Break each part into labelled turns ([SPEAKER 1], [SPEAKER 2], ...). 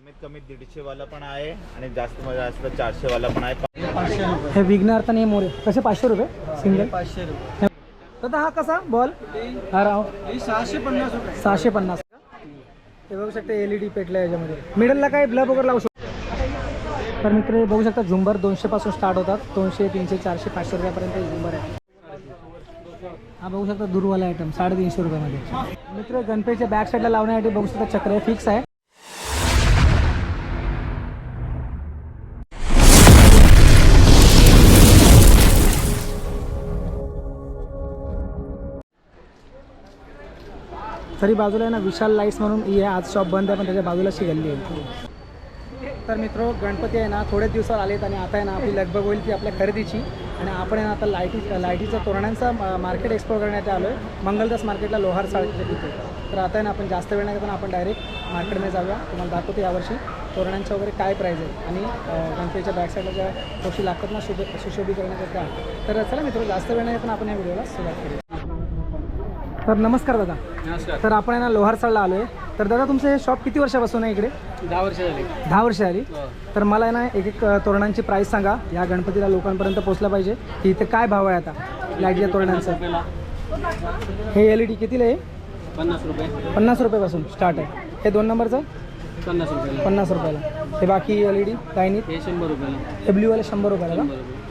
[SPEAKER 1] कमीत कमी 150 वाला पण आहे आणि जास्त मध्ये जास्त 400 वाला पण आहे.
[SPEAKER 2] 500 रुपये.
[SPEAKER 3] हे विघ्नार्थ आणि हे मोरे कसे 500 रुपये सिंगल.
[SPEAKER 2] 500 रुपये.
[SPEAKER 3] दादा हा कसा बॉल हा राव
[SPEAKER 2] हे 650 रुपये.
[SPEAKER 3] 650. हे बघू शकते LED पेटल्या याच्यामध्ये. मिडलला काय ब्लब वगैरे लावू शकतो. तर मित्र हे बघू शकता झुंबर 200 पासून स्टार्ट होतात. 200 300 400 500 रुपयापर्यंत हे झुंबर आहे. हा बघू शकता दूरवाला आयटम 350 रुपयामध्ये. मित्र गणपतीच्या बॅक साईडला लावण्यासाठी बघू शकता चक्र फिक्स आहे. तरी बाजूला आहे ना विशाल लाईट्स म्हणून ही आहे. आज शॉप बंद आहे पण त्याच्या बाजूला अशी गल्ली आहे. तर मित्र गणपती आहे ना थोड्याच दिवसावर आलेत आणि आता आहे ना आपली लगबग होईल ती आपल्या खरेदीची. आणि आपण आहे ना आता लाईटीचा तोरणांचा मार्केट एक्सप्लोर करण्यात आलो आहे मंगलदास मार्केटला लोहार साळीच्या तिथे. तर आता आहे ना आपण जास्त वेळ नाही करताना आपण डायरेक्ट मार्केटमध्ये जाऊया. तुम्हाला दाखवतो यावर्षी तोरणांच्या वगैरे काय प्राईज आहे आणि गणपतीच्या बॅक साईडला ज्या गोष्टी लागतात ना सुशोभी करण्याच्या त्या. तर चला मित्र जास्त वेळ नाही करताना आपण या व्हिडिओला सुरुवात करूया. तर नमस्कार दादा.
[SPEAKER 2] नमस्कार.
[SPEAKER 3] तर आपण आहे ना लोहारसाळला आलो आहे. तर दादा तुमचं हे शॉप किती वर्षापासून आहे इकडे.
[SPEAKER 2] 10 वर्ष झाली.
[SPEAKER 3] 10 वर्ष आली. तर मला आहे ना एक तोरणांची प्राईस सांगा या गणपतीला लोकांपर्यंत पोहोचला पाहिजे की इथे काय भाव आहे आता लाईटच्या तोरणांचा. हे LED कितीला आहे.
[SPEAKER 2] 50 रुपये.
[SPEAKER 3] 50 रुपयापासून स्टार्ट आहे. हे 2 नंबरचं
[SPEAKER 2] 50 रुपये.
[SPEAKER 3] 50 रुपयाला. हे बाकी LED लाईनीत
[SPEAKER 2] हे 100 रुपये.
[SPEAKER 3] हे ब्ल्यूवाले 100 रुपयाला.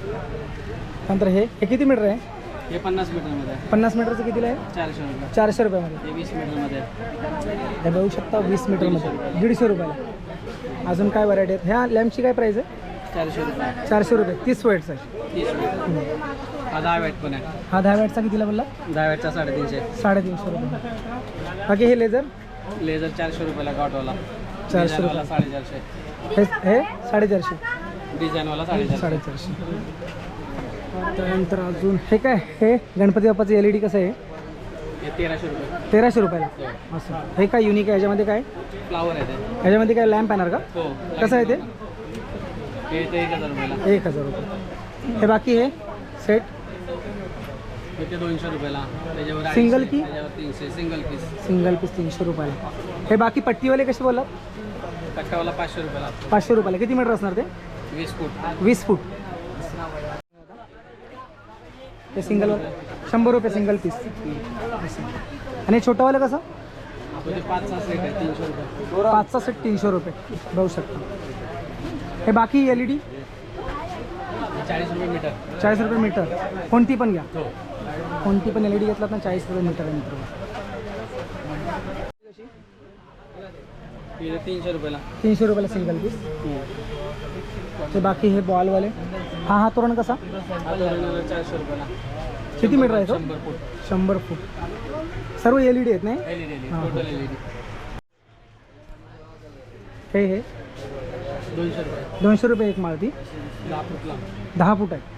[SPEAKER 3] नंतर हे किती मीटर आहे.
[SPEAKER 2] हे 50 मीटरमध्ये आहे.
[SPEAKER 3] 50 मीटरचं कितीला आहे.
[SPEAKER 2] 400 रुपये.
[SPEAKER 3] 400 रुपयामध्ये.
[SPEAKER 2] हे 20 मीटरमध्ये आहे.
[SPEAKER 3] हे बघू शकता 20 मीटरमध्ये 150 रुपयाला. अजून काय व्हरायटी आहेत. ह्या लॅम्पची काय प्राईस आहे.
[SPEAKER 2] 400 रुपये.
[SPEAKER 3] 400 रुपये 30 वॅटचा आहे.
[SPEAKER 2] 30 रुपये. हा 10 वॅट पण आहे.
[SPEAKER 3] हा 10 वॅटचा कितीला बोलला.
[SPEAKER 2] 10 वॅटचा 350.
[SPEAKER 3] 350 रुपये. बाकी हे लेझर
[SPEAKER 2] लेझर 400 रुपयाला गॉटवाला.
[SPEAKER 3] 400
[SPEAKER 2] डिझाईनवाला
[SPEAKER 3] रुपये.
[SPEAKER 2] 450.
[SPEAKER 3] हे 450.
[SPEAKER 2] डिझाईनवाला 450.
[SPEAKER 3] 450. त्यानंतर अजून हे काय हे गणपती बाप्पाचं LED कसं आहे.
[SPEAKER 2] हे 1300 रुपये.
[SPEAKER 3] 1300 रुपयाला. असं हे काय युनिक आहे. ह्याच्यामध्ये काय
[SPEAKER 2] फ्लावर आहे ते.
[SPEAKER 3] ह्याच्यामध्ये काय लॅम्प येणार का.
[SPEAKER 2] हो.
[SPEAKER 3] कसं आहे ते.
[SPEAKER 2] हे 1000 रुपयाला.
[SPEAKER 3] 1000 रुपये. हे बाकी हे सेट
[SPEAKER 2] हे 200 रुपयाला. त्याच्यावर
[SPEAKER 3] सिंगल
[SPEAKER 2] 250,
[SPEAKER 3] की?
[SPEAKER 2] त्याच्यावर 300. Single piece.
[SPEAKER 3] सिंगल पीस 300 रुपयाला. हे बाकी पट्टीवाले कसे बोललात.
[SPEAKER 2] कट्टावाला 500 रुपयाला.
[SPEAKER 3] 500 रुपयाला. किती मीटर असणार ते.
[SPEAKER 2] 20 फूट.
[SPEAKER 3] 20 फूट. ते सिंगलवर 100 रुपये सिंगल पीस. आणि छोटंवालं कसं.
[SPEAKER 2] म्हणजे 5-6 सेट आहे 300 रुपये.
[SPEAKER 3] 5चा सेट 300 रुपये बघू शकता. हे बाकी LED
[SPEAKER 2] 40 रुपये मीटर.
[SPEAKER 3] 40 रुपये मीटर. कोणती पण घ्या.
[SPEAKER 2] हो.
[SPEAKER 3] कोणती पण LED घेतलात ना 40 रुपये मीटर आहे मित्र.
[SPEAKER 2] हे 300 रुपयाला.
[SPEAKER 3] 300 रुपयाला सिंगल पीस. ते बाकी हे बॉलवाले. हा तोरण कसा.
[SPEAKER 2] हा तोरणाला 400 रुपयाला.
[SPEAKER 3] किती मीटर आहे तो.
[SPEAKER 2] 100 फूट.
[SPEAKER 3] 100 फूट. सर्व LED आहेत नाही.
[SPEAKER 2] LED.
[SPEAKER 3] हां.
[SPEAKER 2] Total LED.
[SPEAKER 3] हे
[SPEAKER 2] 200 रुपये.
[SPEAKER 3] 200 रुपये एक माळती.
[SPEAKER 2] 10 फूटला.
[SPEAKER 3] 10 फूट आहे.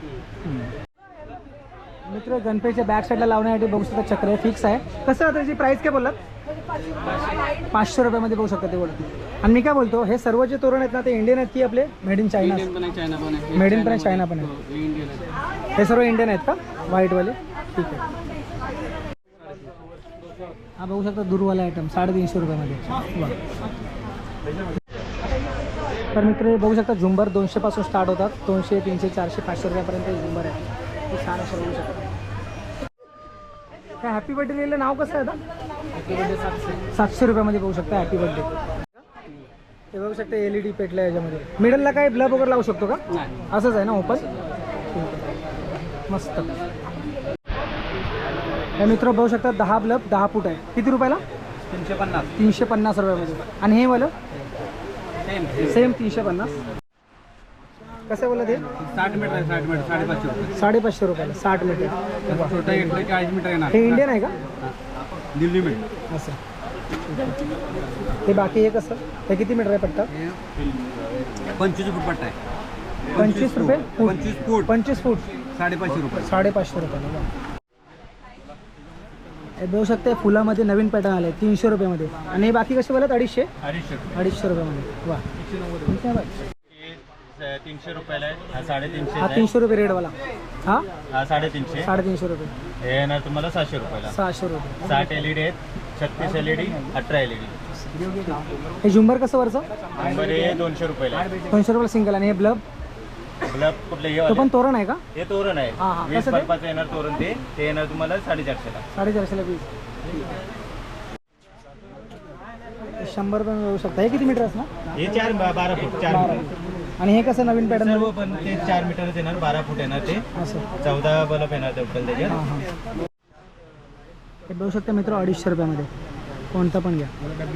[SPEAKER 3] मित्र गणपतीच्या बॅक साईडला लावण्यासाठी बघू शकता चक्र फिक्स आहे. कसं आहे त्याची प्राईस काय बोललात. 500 रुपयामध्ये बघू शकता ते बोलत. आणि मी काय बोलतो हे सर्व जे तोरण आहेत ना ते इंडियन आहेत की आपले मेड इन चायना.
[SPEAKER 2] इंडियन पण आहे, चायना पण आहे.
[SPEAKER 3] मेड इन पण आहे, चायना पण आहे.
[SPEAKER 2] हो, हे इंडियन आहे.
[SPEAKER 3] हे सर्व इंडियन आहेत का व्हाईटवाले. ठीक आहे. हा बघू शकता दूरवाला आयटम 350 रुपयामध्ये. तर मित्र हे बघू शकता झुंबर 200 पासून स्टार्ट होतात. 200 300 400 500 रुपयापर्यंत हे झुंबर आहे. हे छान असं बघू शकता. काय हॅपी बर्थडे लिहिलं नाव कसं आहे आता. 700 रुपयामध्ये बघू शकता हॅपी बर्थडे. हे बघू शकता LED पेटलं याच्यामध्ये. मिडलला काय ब्लब वगैरे लावू शकतो का.
[SPEAKER 2] नाही.
[SPEAKER 3] असंच आहे ना ओपन. मस्त. हे मित्र बघू शकता 10 ब्लब 10 फूट आहे. किती रुपयाला.
[SPEAKER 2] 350.
[SPEAKER 3] 350 रुपयामध्ये. आणि हे वालं सेम 350. कसं बोलत हे.
[SPEAKER 2] 60 मीटर आहे. 60 मीटर 550 रुपये.
[SPEAKER 3] 550 रुपयाला 60 मीटर.
[SPEAKER 2] छोटा घेतलं 40 मीटर येणार.
[SPEAKER 3] हे इंडियन आहे का.
[SPEAKER 2] दिल्ली मीटर.
[SPEAKER 3] असं. हे बाकी हे कसं. हे किती मीटर आहे पट्टा.
[SPEAKER 2] 25 फूट पट्टा आहे.
[SPEAKER 3] 25 रुपये फूट.
[SPEAKER 2] 25 फूट.
[SPEAKER 3] 25 फूट
[SPEAKER 2] 550 रुपये.
[SPEAKER 3] 550 रुपयाला. हे बघू शकते फुलामध्ये नवीन पॅटर्न आले 300 रुपयामध्ये. आणि हे बाकी कसे बोलत 250. 250 रुपयामध्ये. वा. ठीक आहे बाय.
[SPEAKER 1] 300 रुपयाला आहे. हा 350.
[SPEAKER 3] हा 300 रुपये रेडवाला. हा
[SPEAKER 1] हा 350.
[SPEAKER 3] 350 रुपये.
[SPEAKER 1] हे येणार तुम्हाला 600 रुपयाला.
[SPEAKER 3] 600 रुपये.
[SPEAKER 1] 60 LED आहेत. 36 LED 18 LED.
[SPEAKER 3] हे झुंबर कसं वरचं?
[SPEAKER 1] नंबर हे 200 रुपयाला आहे.
[SPEAKER 3] 200 रुपयाला सिंगल. आणि हे ब्लब
[SPEAKER 1] गुलाब कुठले हे
[SPEAKER 3] तो
[SPEAKER 1] वाले?
[SPEAKER 3] पण तोरण आहे का?
[SPEAKER 1] हे तोरण आहे.
[SPEAKER 3] हा, हा.
[SPEAKER 1] 20
[SPEAKER 3] कसं ते?
[SPEAKER 1] बल्बाचं येणार तोरण ते येणार तुम्हाला 450ला.
[SPEAKER 3] 450ला पीस. 100 रुपये मिळू शकता. हे किती मीटर असणार?
[SPEAKER 1] हे 12 फूट 4 मीटर.
[SPEAKER 3] आणि हे कसं नवीन पॅटर्न?
[SPEAKER 1] सर्व पण ते 4 मीटरच येणार, 12 फूट येणार ते.
[SPEAKER 3] असं.
[SPEAKER 1] 14 बल्ब येणार टोटल त्याच्यात.
[SPEAKER 3] हां हां. हे बघू शकता मित्र 250 रुपयामध्ये. कोणता पण घ्या.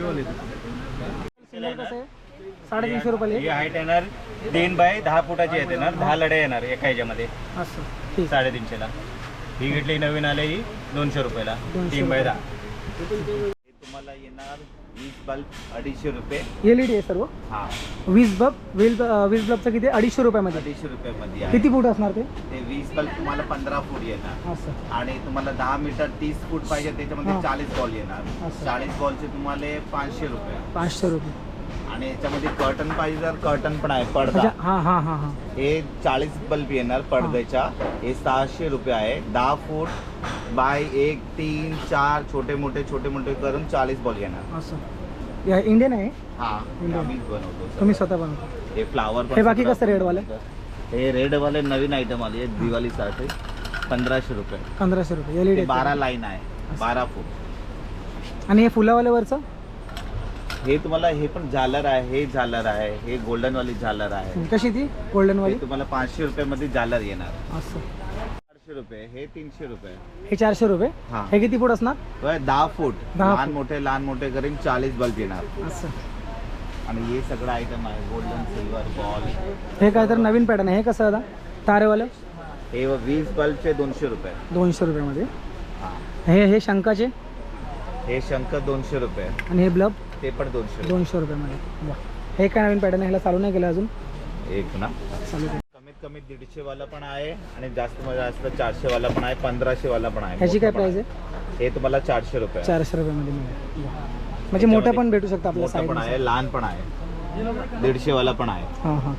[SPEAKER 3] सिंगल कसं आहे? 350 रुपयाला.
[SPEAKER 1] ही हाईट येणार 3 बाय 10 फुटाची येते येणार. 10 लढ्या येणार एका ह्याच्यामध्ये.
[SPEAKER 3] असं ठीक.
[SPEAKER 1] 350ला. ही घेतली नवीन आले ही 200 रुपयाला.
[SPEAKER 3] 200
[SPEAKER 1] 3 बाय 10. हे तुम्हाला येणार 20 बल्ब 250 रुपये.
[SPEAKER 3] LED आहे सर्व.
[SPEAKER 1] हा
[SPEAKER 3] 20 बल्बचं किती? 250 रुपयामध्ये.
[SPEAKER 1] 250 रुपयामध्ये आहे.
[SPEAKER 3] किती फूट असणार ते?
[SPEAKER 1] ते 20 बल्ब तुम्हाला 15 फूट येणार.
[SPEAKER 3] असं.
[SPEAKER 1] आणि तुम्हाला 10 मीटर 30 फूट पाहिजे त्याच्यामध्ये
[SPEAKER 3] हा.
[SPEAKER 1] 40 बॉल येणार.
[SPEAKER 3] असं.
[SPEAKER 1] 40 बॉलचे तुम्हाला 500 रुपये.
[SPEAKER 3] 500 रुपये.
[SPEAKER 1] आणि याच्यामध्ये कर्टन पाहिजे तर कर्टन पण आहे. पडदा
[SPEAKER 3] अच्छा. हां हां हां हां.
[SPEAKER 1] हे 40 बल्ब येणार पडद्याच्या. हे 600 रुपये आहे. 10 फूट बाय 1 3 4 छोटे मोठे करून 40 बॉल येणार.
[SPEAKER 3] असं. या इंडियन आहे?
[SPEAKER 1] हा
[SPEAKER 3] इंडियन.
[SPEAKER 1] आम्हीच बनवतो
[SPEAKER 3] तुम्ही
[SPEAKER 1] सगळं.
[SPEAKER 3] स्वतः बनवता?
[SPEAKER 1] हे फ्लावर
[SPEAKER 3] हे बाकी कसं रेडवाले?
[SPEAKER 1] हे रेडवाले नवीन आयटम आली आहे दिवाळीसाठी. 1500 रुपये.
[SPEAKER 3] 1500 रुपये. LED
[SPEAKER 1] ते
[SPEAKER 3] आहे.
[SPEAKER 1] 12 लाईन आहे. 12 फूट.
[SPEAKER 3] आणि हे फुलावाल्यावरचं?
[SPEAKER 1] हे तुम्हाला हे पण झालर आहे. हे झालर आहे. हे गोल्डन वाली झालर आहे.
[SPEAKER 3] कशी ती गोल्डन वाली?
[SPEAKER 1] हे तुम्हाला 500 रुपयामध्ये झालर येणार.
[SPEAKER 3] असं.
[SPEAKER 1] 400 रुपये. हे 300 रुपये.
[SPEAKER 3] हे 400 रुपये.
[SPEAKER 1] हा.
[SPEAKER 3] हे किती फूट असणार?
[SPEAKER 1] 10 फूट.
[SPEAKER 3] 10
[SPEAKER 1] लहान मोठे करून 40 बल्ब येणार.
[SPEAKER 3] असं.
[SPEAKER 1] आणि हे सगळं आयटम आहे. Golden silver ball.
[SPEAKER 3] हे काय तर नवीन पॅटर्न आहे. हे कसं आता तारेवालं?
[SPEAKER 1] हे 20 बल्बचे 200 रुपये.
[SPEAKER 3] 200 रुपयामध्ये.
[SPEAKER 1] हा.
[SPEAKER 3] हे शंकाचे?
[SPEAKER 1] हे शंख 200 रुपये.
[SPEAKER 3] आणि हे ब्लब?
[SPEAKER 1] ते पण 200 रुपये.
[SPEAKER 3] 200 रुपयामध्ये. वा. हे काय नवीन पॅटर्न आहे? ह्याला चालू नाही केलं अजून?
[SPEAKER 1] एक ना
[SPEAKER 3] चालू केलं.
[SPEAKER 1] कमीत कमी 150 वाला पण आहे आणि जास्त 400 वाला पण आहे. 1500 वाला पण आहे.
[SPEAKER 3] ह्याची काय
[SPEAKER 1] मोठा पण
[SPEAKER 3] प्राइस आहे?
[SPEAKER 1] आहे. हे तुम्हाला 400 रुपये.
[SPEAKER 3] 400 रुपयामध्ये मिळेल. वा. म्हणजे मोठं पण भेटू शकतं आपल्या
[SPEAKER 1] मोठा पण
[SPEAKER 3] साईड.
[SPEAKER 1] आहे, लहान पण आहे. 150 वाला पण आहे.
[SPEAKER 3] हां हां.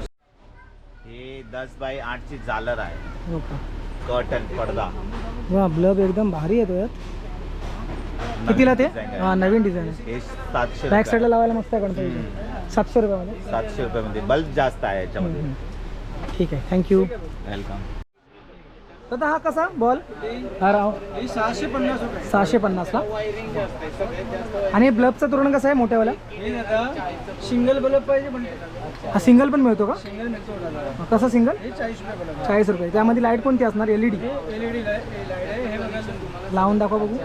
[SPEAKER 1] हे 10 बाय 8 ची झालर आहे.
[SPEAKER 3] हो का?
[SPEAKER 1] कर्टन पडदा.
[SPEAKER 3] वा. ब्लब एकदम भारी येतो यात. कितीला ते?
[SPEAKER 1] design आहे.
[SPEAKER 3] हां नवीन डिझाईन आहे.
[SPEAKER 1] हे 700
[SPEAKER 3] बॅक साईडला
[SPEAKER 1] रुपये.
[SPEAKER 3] लावायला मस्त आहे गणपती. 700 रुपयामध्ये.
[SPEAKER 1] 700 रुपयामध्ये बल्ब जास्त आहे याच्यामध्ये.
[SPEAKER 3] ठीक आहे. थँक्यू.
[SPEAKER 1] वेलकम.
[SPEAKER 3] दादा हा कसा बॉल? हा राव
[SPEAKER 2] 650 रुपये.
[SPEAKER 3] 650 ला. आणि ब्लबचं तोरण कसं आहे मोठ्यावाला?
[SPEAKER 2] सिंगल बल्ब पाहिजे पण
[SPEAKER 3] हा सिंगल पण मिळतो का?
[SPEAKER 2] सिंगल मिळतो.
[SPEAKER 3] कसं सिंगल?
[SPEAKER 2] 40 रुपये बल्ब.
[SPEAKER 3] 40 रुपये. त्यामध्ये लाईट कोणती असणार? LED?
[SPEAKER 2] LED लाईट आहे. हे बघा तुम्हाला.
[SPEAKER 3] लावून दाखवा बघू.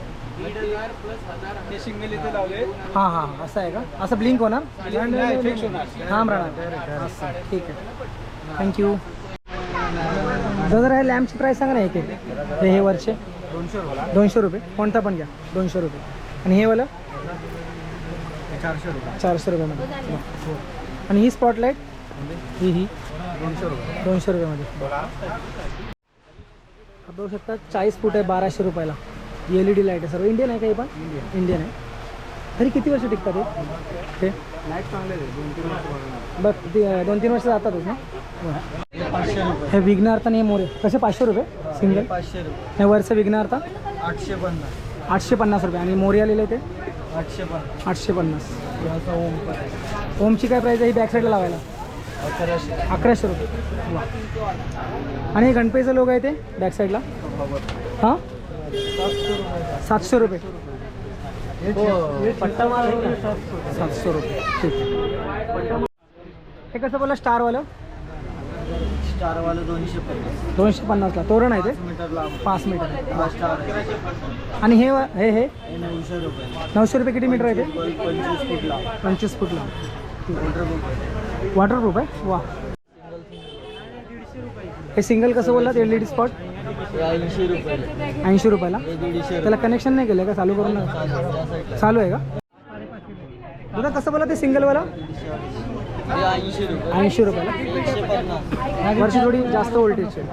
[SPEAKER 2] हे सिंगल इथे लावले.
[SPEAKER 3] हां हां असं आहे का? असं ब्लिंक होणार?
[SPEAKER 2] नाही, फिक्स होणार.
[SPEAKER 3] थांब राहणार. असं. ठीक आहे. थँक्यू. दादा हे लॅम्पची प्राईस सांगा ना. एक हे वरचे 200 रुपये. कोणता पण घ्या. 200 रुपये. आणि हे वाला
[SPEAKER 2] 400 रुपये.
[SPEAKER 3] 400 रुपयामध्ये. आणि ही स्पॉटलाईट ही
[SPEAKER 2] 200 रुपये.
[SPEAKER 3] 200 रुपयामध्ये. बघू शकता 40 फूट आहे 1200 रुपयाला. LED लाईट आहे. सर्व इंडियन आहे काही पण? इंडियन आहे. तरी किती वर्ष टिकतात हे?
[SPEAKER 2] लाईट चांगले आहे. 2-3 वर्ष.
[SPEAKER 3] बघ 2-3 वर्ष जातातच ना. हे विघ्नार्थ आणि हे मोरे कसे? 500 रुपये सिंगल.
[SPEAKER 2] 500 रुपये.
[SPEAKER 3] हे वरचं विघ्नार्थ
[SPEAKER 2] 850.
[SPEAKER 3] 850 रुपये. आणि मोरे आलेले ते
[SPEAKER 2] 850.
[SPEAKER 3] 850.
[SPEAKER 2] याचा ओम पण आहे.
[SPEAKER 3] ओमची काय प्राईस आहे ही बॅक साईडला लावायला? 1100 रुपये. वा. आणि हे गणपतीचं लोक आहे ते बॅक साईडला? हां 700 रुपये.
[SPEAKER 2] पट्टा मार
[SPEAKER 3] 700 रुपये. ठीक आहे. हे कसं बोला स्टारवालं?
[SPEAKER 2] स्टारवाला 250.
[SPEAKER 3] 250ला. तोरण आहे ते
[SPEAKER 2] 5 मीटर लांब.
[SPEAKER 3] 5 मीटर.
[SPEAKER 2] हा स्टार.
[SPEAKER 3] आणि हे हे हे
[SPEAKER 2] 900 रुपये.
[SPEAKER 3] 900 रुपये. किती मीटर आहे ते?
[SPEAKER 2] 25 फूट लांब.
[SPEAKER 3] 25 फूटला.
[SPEAKER 2] वॉटरप्रूफ.
[SPEAKER 3] वॉटरप्रूफ आहे. वा. हे सिंगल कसं बोललात? LED स्पॉट
[SPEAKER 2] 80 रुपये.
[SPEAKER 3] 80 रुपयाला.
[SPEAKER 2] हे 150.
[SPEAKER 3] त्याला कनेक्शन नाही केलं का? चालू करून ना. चालू आहे का? दादा कसं बोला ते सिंगलवाला?
[SPEAKER 2] हे 80 रुपये.
[SPEAKER 3] 80 रुपयाला.
[SPEAKER 2] 150.
[SPEAKER 3] वर्षी थोडी जास्त व्होल्टेजची.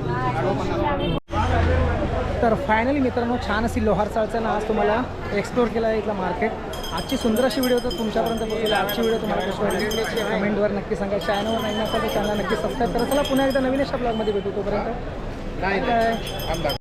[SPEAKER 3] तर फायनली मित्रांनो छान अशी लोहार चाळचं आज तुम्हाला एक्सप्लोर केला आहे इथला मार्केट. आजची सुंदर अशी व्हिडिओ तर तुमच्यापर्यंत पोहोचली. आजची व्हिडिओ तुम्हाला कशी वाटली कमेंटवर नक्की सांगा. चॅनलवर नाही नसेल तर चॅनल नक्की सबस्क्राईब करा. चला पुन्हा एकदा नवीन अशा ब्लॉगमध्ये भेटू. तोपर्यंत काय